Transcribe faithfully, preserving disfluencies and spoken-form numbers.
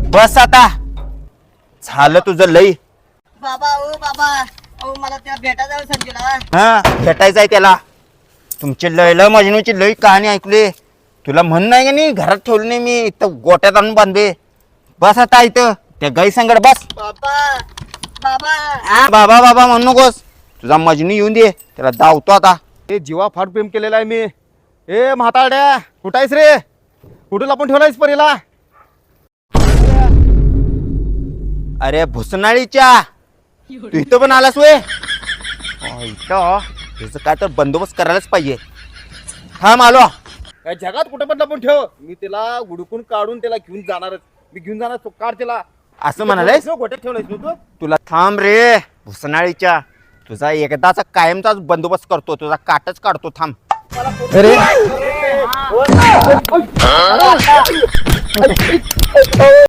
बस आता झालं तुझं लई. बाबा ओ बाबा ओ मला त्या भेटा जाऊ संजूला. हा भेटायचं आहे त्याला. तुमची लयला मजनूची लई कहाणी ऐकली. तुला म्हण नाही का नाही घरात ठेवलं नाही मी इथं गोट्यात आणून बांधले. बस आता इथं त्या गाई संगड बस. बाबा बाबा हा, बाबा बाबा म्हणू नकोस. तुझा मजनू येऊन दे त्याला धावतो आता. हे जीवा फार प्रेम केलेला आहे मी. ए म्हातारड्या कुठं आहेस रे? कुठं लपून ठेवलायस परीला? अरे भुसनाळीच्या तू इथं पण आलास वे. इथं त्याचं काय तर बंदोबस्त करायलाच पाहिजे. थांब आलो. काय जगात कुठं पण लपून ठेव, मी त्याला हुडकून काढून त्याला घेऊन जाणारच. मी घेऊन जाणार तो काढ त्याला. असं म्हणालायस? गोट्यात ठेवलायस ना तू? तुला थांब रे भुसनाळीच्या. तुझा एकदाचा कायमचाच बंदोबस्त करतो. तुझा काटच काढतो. थांब. अरे